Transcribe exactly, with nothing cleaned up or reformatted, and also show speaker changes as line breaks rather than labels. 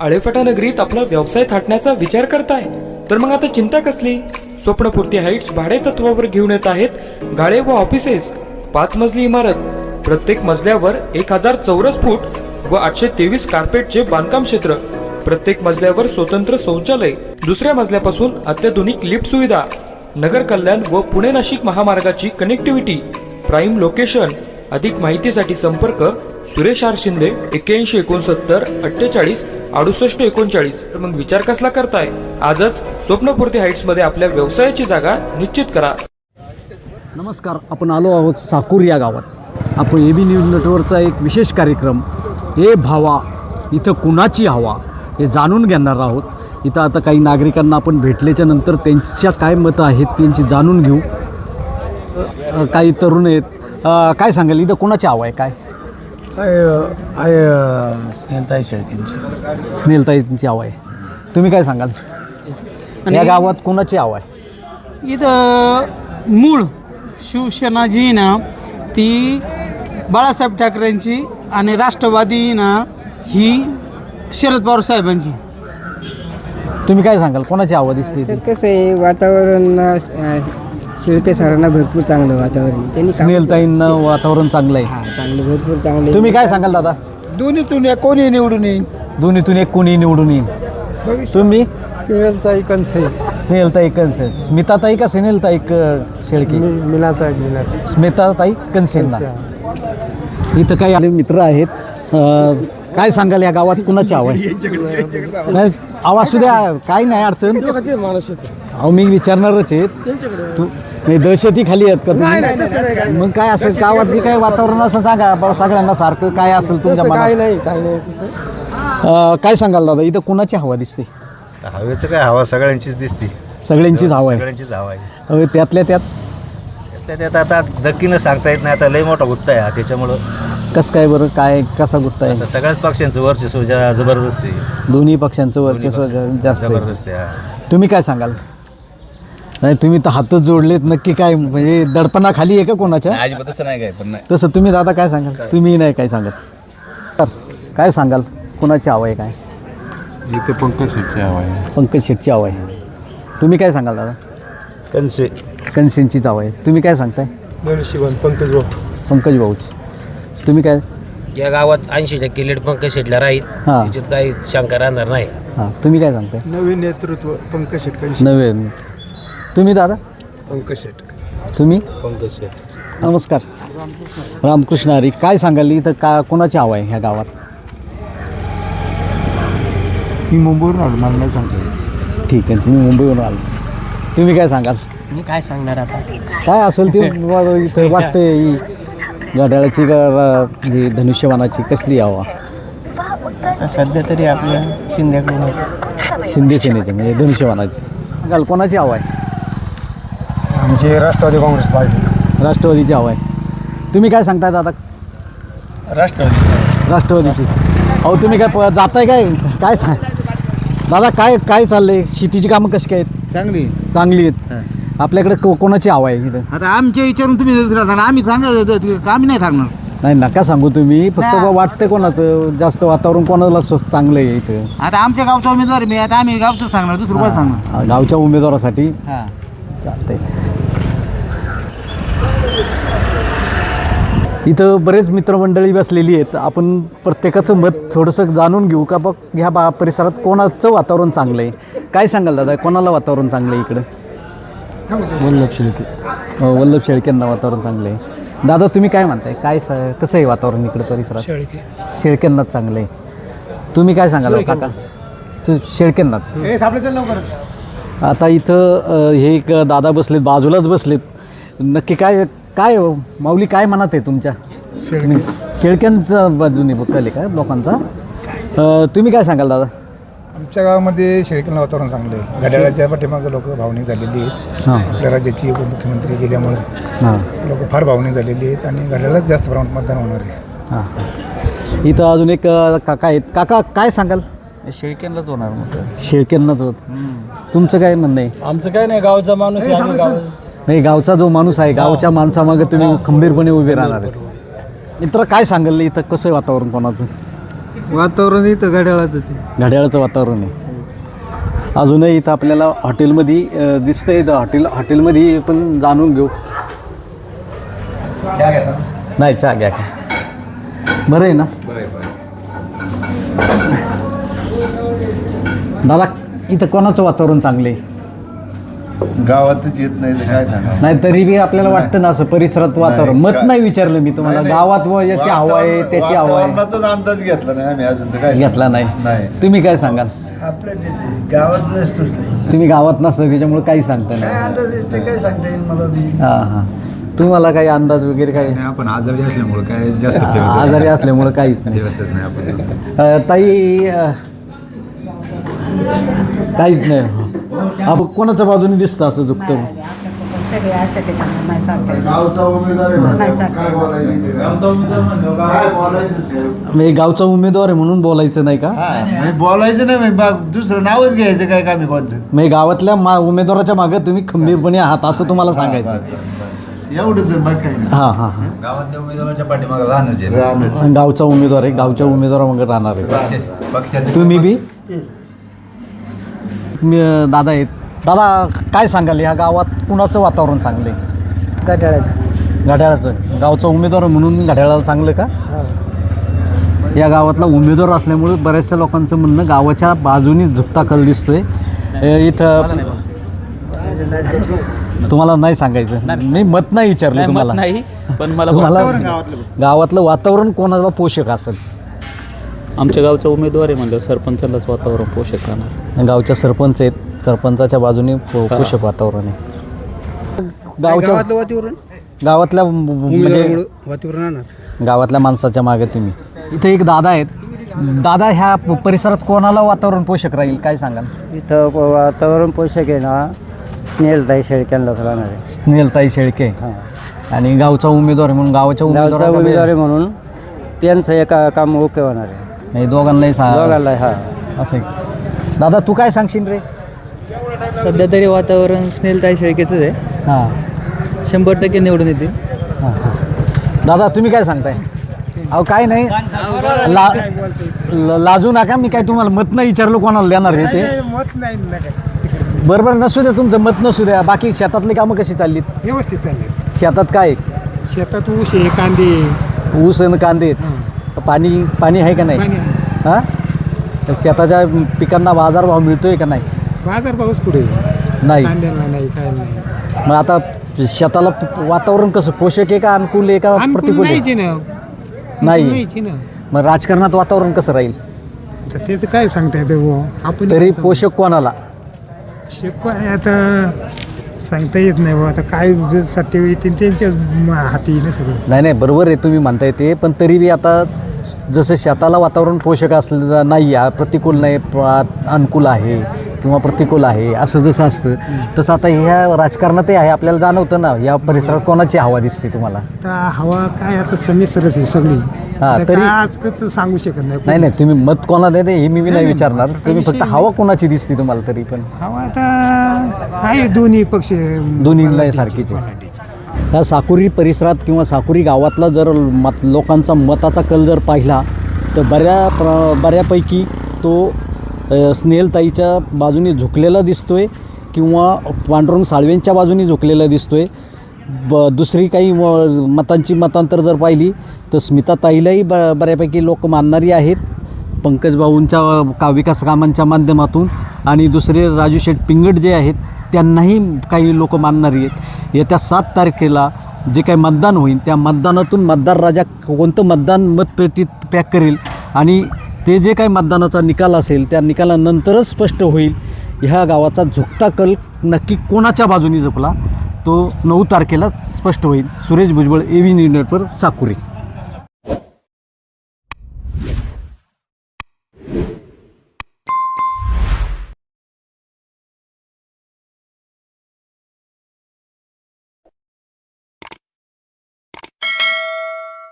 आळेफाटा नगरीत आपला व्यवसाय थाटण्याचा विचार करताय तर मग आता चिंता कसली? स्वप्नपूर्ती हाईट्स भाडे तत्वावर घेऊन येत आहेत गाळे व ऑफिसेस. पाच मजली इमारत, प्रत्येक मजल्यावर एक हजार चौरस फूट व आठशे तेवीस कार्पेटचे बांधकाम क्षेत्र, प्रत्येक मजल्यावर स्वतंत्र शौचालय, दुसऱ्या मजल्यापासून अत्याधुनिक लिफ्ट सुविधा, नगर कल्याण व पुणे नाशिक महामार्गाची कनेक्टिव्हिटी, प्राईम लोकेशन. अधिक माहितीसाठी संपर्क सुरेश आर शिंदे एक्क्याऐंशी एकोणसत्तर अठ्ठेचाळीस अडुसष्ट एकोणचाळीस. तर मग विचार कसला करताय? आजच स्वप्नपूर्ती हाईट्स मध्ये आपल्या व्यवसायाची जागा निश्चित करा.
नमस्कार, आपण आलो आहोत साकूर या गावात. आपण ए बी न्यूज नेटवर्कचा एक विशेष कार्यक्रम ए भावा इथं कुणाची हवा हे जाणून घेणार आहोत. इथं आता काही नागरिकांना आपण भेटल्याच्या नंतर त्यांच्या काय मतं आहेत त्यांची जाणून घेऊ. अ, काही तरुण आहेत. अ, काय सांगाल इथं कुणाची हवा आहे? काय
काय आहे स्नेहलताई शेळकेंची.
स्नेहलताईंची हवा आहे. तुम्ही काय सांगाल या गावात कुणाची हवा आहे?
इथं मूळ शिवसेना जी ना ती बाळासाहेब ठाकरेंची आणि राष्ट्रवादी ना ही शरद पवार साहेबांची.
तुम्ही काय सांगाल कोणाची हवा दिसते?
सर कसं आहे वातावरण अ, शेळके सरांना भरपूर चांगलं वातावरण आहे. त्यांनी काम-
स्नेहलताईंना वातावरण चांगलं आहे.
हा चांगलं भरपूर चांगलं आहे.
तुम्ही काय सांगाल दादा?
दोन्हीतून या कोणी निवडून येईल.
दोन्हीतून एक कोणी निवडून येईल. तुम्ही?
स्नेहलताई कंसे.
स्नेहलताई कनसे. स्मिताताई का स्नेहलताई क- शेळके?
मिनाताई मिनाताई
स्मिताताई कनसेंना. इथं काही आले मित्र आहेत. अं, काय सांगाल या गावात कुणाची हवा आहे? नाही, आवाज सुद्धा काही नाही अडचण. अहो मी विचारणारच आहेत. तू नाही दहशती खाली आहेत का तुम्ही? मग काय असेल गावात जे काय वातावरण असं सांगा बरं सगळ्यांना सारखं काय असेल तुमच्या मनात?
नाही काय नाही तसं.
अं, काय सांगाल दादा इथं कुणाची हवा दिसते?
हवेचं काय हवा सगळ्यांचीच दिसते.
सगळ्यांचीच हवा आहे.
सगळ्यांचीच हवा आहे.
अहो, त्यातल्या त्यात
त्यातल्या त्यात आता नक्कीनं सांगता येत नाही. आता लय मोठा गुत्ता आहे हा. त्याच्यामुळं
कसं काय बरं काय कसा गुत्ता आहे?
आता सगळ्याच पक्षांचं वर्चस्व जा- जबरदस्त आहे.
दोन्ही पक्षांचं
दोन्ही
वर्चस्व
पक्ष-
जा- जास्त आहे.
जबरदस्त आहे हा.
तुम्ही काय सांगाल? नाही तुम्ही तर हातच जोडलेत नक्की काय म्हणजे दडपणाखाली आहे का कोणाच्या?
अजिबात तसं नाही काय पण नाही.
तसं तुम्ही दादा काय सांगाल? तुम्ही नाही काय सांगत तर काय सांगाल कोणाची हवा आहे? काय
इथे पंकज शेट्टी हवा आहे.
पंकज शेटची हवा आहे. तुम्ही काय सांगाल दादा?
कंसे.
कनसेंचीच हवा आहे. तुम्ही काय सांगताय?
मनुष्यवान पंकज भाऊ.
पंकज भाऊच. तुम्ही काय?
या गावात ऐंशी टक्के लीड पंकज शेटला राहील.
हां
त्याच्यात काही शंका राहणार नाही.
हां तुम्ही काय सांगताय?
नवीन नेतृत्व पंकज शेट कंसे.
नवीन. तुम्ही दादा?
पंकज शेट.
तुम्ही?
पंकज शेट.
नमस्कार. रामकृष्ण हरी. काय सांगाल इथं का कोणाची हवा आहे ह्या गावात?
मी मुंबईवरून आलो मला नाही सांगतो.
ठीक आहे तुम्ही मुंबईवरून आलो. तुम्ही काय सांगाल?
मी काय सांगणार आता?
काय असेल ते वा- इथं वाटतंय ही घड्याळाची का जी धनुष्यबाणाची कसली हवा?
आता सध्या तरी आपल्या शिंदेकडून
शिंदे सेनेची म्हणजे धनुष्यबाणाची. सांगाल कोणाची हवा आहे?
आमचे राष्ट्रवादी काँग्रेस पार्टी.
राष्ट्रवादीची हवा आहे. तुम्ही काय सांगताय दादा?
राष्ट्रवादी.
राष्ट्रवादीची. अहो तुम्ही काय प जाताय काय काय सांग दादा काय काय चाललंय? शेतीची कामं कशी काय आहेत?
चांगली.
चांगली आहेत. आपल्याकडे को कोणाची हवा आहे इथं?
आता आमच्या विचारून तुम्ही दुसरा सांगा. आम्ही सांगा आम्ही नाही सांगणार.
नाही नका सांगू तुम्ही. फक्त बा वाटतंय कोणाचं जास्त वातावरण कोणाला स्वस्त चांगलं आहे इथं?
आता आमच्या गावचा उमेदवार मी आता आम्ही गावचं सांगणार दुसरं कोण सांगणार.
हा, गावच्या उमेदवारासाठी
हां.
चालतंय. इथं बरेच मित्रमंडळी बसलेली आहेत. आपण प्रत्येकाचं मत थोडंसं जाणून घेऊ का बघ ह्या बा परिसरात कोणाचं वातावरण चांगलं आहे. काय सांगाल दादा कोणाला वातावरण चांगलं आहे इकडं?
वल्लभ शेळके.
अं, वल्लभ शेळकेंना वातावरण चांगलं आहे. दादा तुम्ही काय म्हणताय काय स कसं आहे वातावरण इकडं परिसरात?
शेळके.
शेळकेंनाच चांगलं आहे. तुम्ही काय सांगाल काका? तू शेळकेंनाच. आता इथं अ, हे एक दादा बसलेत बाजूलाच बसलेत. नक्की काय काय हो? माऊली काय म्हणत आहे तुमच्या? शेळक्यांच्या बाजूने बघायला का लोकांचा? अ, तुम्ही काय सांगाल दादा?
आमच्या गावामध्ये शेळकेंना वातावरण चांगलं आहे. घड्याळाच्या पाठीमागं लोक भावनिक झालेली आहेत.
हां
आपल्या राज्याची उपमुख्यमंत्री गेल्यामुळे
हां
लोक फार भावनिक झालेली आहेत आणि घड्याळात जास्त प्रमाणात मतदान होणार आहे.
हां इथं अजून एक अ, काका आहेत. काका काय सांगाल?
शेळकेंनाच होणार मोठं.
शेळक्यांनाच होत. तुमचं काय म्हणणं आहे?
आमचं काय नाही गावचा माणूस आहे. आम्ही गाव
नाही गावचा जो माणूस आहे गावच्या माणसामागे तुम्ही खंबीरपणे उभे राहणार आहे. मित्र काय सांगाल इथं कसं आहे वातावरण कोणाचं?
वातावरण इथं घड्याळाचं आहे.
घड्याळाचं वातावरण आहे. अजूनही इथं आपल्याला हॉटेलमध्ये अ, दिसतंय. इथं हॉटेल हॉटेलमध्ये पण जाणून घेऊ. नाही चहा घ्या का बरं आहे ना दादा. इथं कोणाचं वातावरण चांगलं आहे?
गावातच येत नाही तर काय सांगा.
नाही तरी बी आपल्याला वाटतं ना असं परिसरात वातावरण. मत नाही विचारलं मी तुम्हाला. गावात व याची हवा आहे त्याची हवा आहे
वातावरणाचाच अंदाज घेतला नाही आम्ही अजून तर काय
घेतला नाही.
नाही.
तुम्ही काय सांगाल?
आपल्या गावात नसतोच नाही.
तुम्ही गावात नसतं त्याच्यामुळे काही सांगता नाही.
अंदाज येते काय सांगता येईल मला बी.
हां हां. तुम्हाला काही अंदाज वगैरे काही?
आपण आजारी असल्यामुळे काय जास्त
आजारी असल्यामुळे काहीच नाही.
नाही आपण.
अ, ताई अ, काहीच नाही. आपण कोणाच्या बाजूने दिसतं असं झुकतं?
सगळे असतात त्याच्यामुळे नाही सांगता येत.
गावचा उमेदवार आहे
नाही
म्हणल्यावर
सांगता
काय
येत.
बोलायचं? गावचा उमेदवार म्हणल्यावर काय बोलायचं?
म्हणजे गावचा उमेदवार आहे म्हणून बोलायचं नाही का?
म्हणजे बोलायचं नाही म्हणजे बा- दुसरं नावच घ्यायचं काय कामी कोणचं.
म्हणजे गावातल्या मा उमेदवाराच्या मागे तुम्ही खंबीरपणे आहात असं तुम्हाला सांगायचं.
एवढंच आहे, बाकी काही नाही.
हां हां हां.
गावातल्या उमेदवाराच्या पाठीमागे राहणंच आहे.
राहणंच.
गावचा उमेदवार आहे. गावच्या उमेदवारामागे राहणार आहे.
पक्षाचं
तुम्ही बी? मी दादा आहेत. दादा काय सांगाल या गावात कुणाचं वातावरण चांगलं आहे?
घड्याळाचं.
घड्याळाचं. गावचा उमेदवार म्हणून घड्याळाला चांगलं का? या गावातला उमेदवार असल्यामुळे बऱ्याचशा लोकांचं म्हणणं गावाच्या बाजूनी झुकता कल दिसतोय. अ, इथं तुम्हाला नाही सांगायचं. मी मत नाही विचारलं तुम्हाला.
नाही पण मला
तुम्हाला गावातलं वातावरण कोणाला पोषक असेल?
आमच्या गावचा उमेदवार आहे म्हणलं सरपंचालाच वातावरण पोषक राहणार.
गावच्या सरपंच आहेत. सरपंचाच्या बाजूने पो- पोषक वातावरण आहे. गावच्या
वातावरण
गावातल्या म्हणजे
वातावरण
गावातल्या माणसाच्या मागे तुम्ही. इथं एक दादा आहेत. दादा ह्या प- परिसरात कोणाला वातावरण पोषक राहील काय सांगाल?
इथं वातावरण पोषक आहे ना स्नेहलताई शेळक्यांनाच राहणार आहे.
स्नेहलताई शेळके आणि गावचा उमेदवार आहे म्हणून गावाच्या
गावचा
उमेदवार
उमेदवार आहे म्हणून त्यांचं एका काम ओके होणार आहे.
दोघांनाही सा-
दोघांना हा.
असं आहे. दादा तू काय सांगशील रे?
सध्या तरी वातावरण स्नेहलताई शेळकेचंच आहे.
हां
शंभर टक्के निवडून येतील.
हां हां. दादा तुम्ही काय सांगताय? अहो काय नाही ला ल- लाजू नका. मी काय तुम्हाला मत नाही विचारलं कोणाला देणार आहे ते.
मत नाही
बरोबर नसू द्या तुमचं मत नसू द्या. बाकी शेतातली कामं कशी चाललीत?
व्यवस्थित चालले.
शेतात काय?
शेतात ऊस आहे, कांदे,
ऊस आणि कांदे आहेत. पाणी पाणी आहे का नाही? हां तर शेताच्या पिकांना बाजारभाव मिळतोय का नाही?
बाजार पाऊस कुठे
नाही.
कांद्याला नाही, काय नाही.
मग आता शेताला प- वातावरण कसं पोषक आहे का अनुकूल आहे का प्रतिकूल आहे?
नाहीच ना.
नाही.
नाहीच ना.
मग राजकारणात वातावरण कसं राहील?
तर ते तर काय सांगता येतं बुवा. आपण
तरी पोषक कोणाला?
शिकवाय आता सांगता येत नाही बुवा. आता काय जे सत्य येतील त्यांच्या म- हाती येईल सगळं.
नाही नाही बरोबर आहे तुम्ही म्हणताय ते. पण तरी बी आता जसं शेताला वातावरण पोषक असलं नाही आहे, प्रतिकूल नाही, प- अनुकूल आहे किंवा प्रतिकूल आहे असं जसं असतं तसं आता ह्या राजकारणातही आहे. आपल्याला जाणवतं ना या परिसरात कोणाची हवा दिसते तुम्हाला?
आता हवा काय आता समिश्रच आहे सगळी.
हा,
आता
तरी-
काय आजकाल सांगू शकत नाही.
नाही नाही तुम्ही मत कोणाला देते हे मी बी नाही विचारणार. तुम्ही फक्त
विषय
हवा कोणाची दिसते तुम्हाला तरी पण?
हवा आता आहे दोन्ही पक्ष
दोन्हीला सारखीच आहे. त्या साकुरी परिसरात किंवा साकुरी गावातला जर मत लोकांचा मताचा कल जर पाहिला तर बऱ्या प्र बऱ्यापैकी तो अ, स्नेहलताईच्या बाजूने झुकलेला दिसतो आहे किंवा पांडुरंग साळवेंच्या बाजूने झुकलेला दिसतो आहे. ब दुसरी काही म मतांची मतांतर जर पाहिली तर स्मिताताईलाही ब बऱ्यापैकी लोक मानणारी आहेत पंकजभाऊंच्या का विकास कामांच्या माध्यमातून. आणि दुसरे राजू शेठ पिंगट जे आहेत त्यांनाही काही लोक मानणारी आहेत. येत्या सात तारखेला जे काही मतदान होईल त्या मतदानातून मतदार राजा कोणतं मतदान मतपेटीत पॅक करेल आणि ते जे काही मतदानाचा निकाल असेल त्या निकालानंतरच स्पष्ट होईल ह्या गावाचा झुकता कल नक्की कोणाच्या बाजूने झुकला तो नऊ तारखेला स्पष्ट होईल. Suresh Bhujbal, A V news network, Sakuri.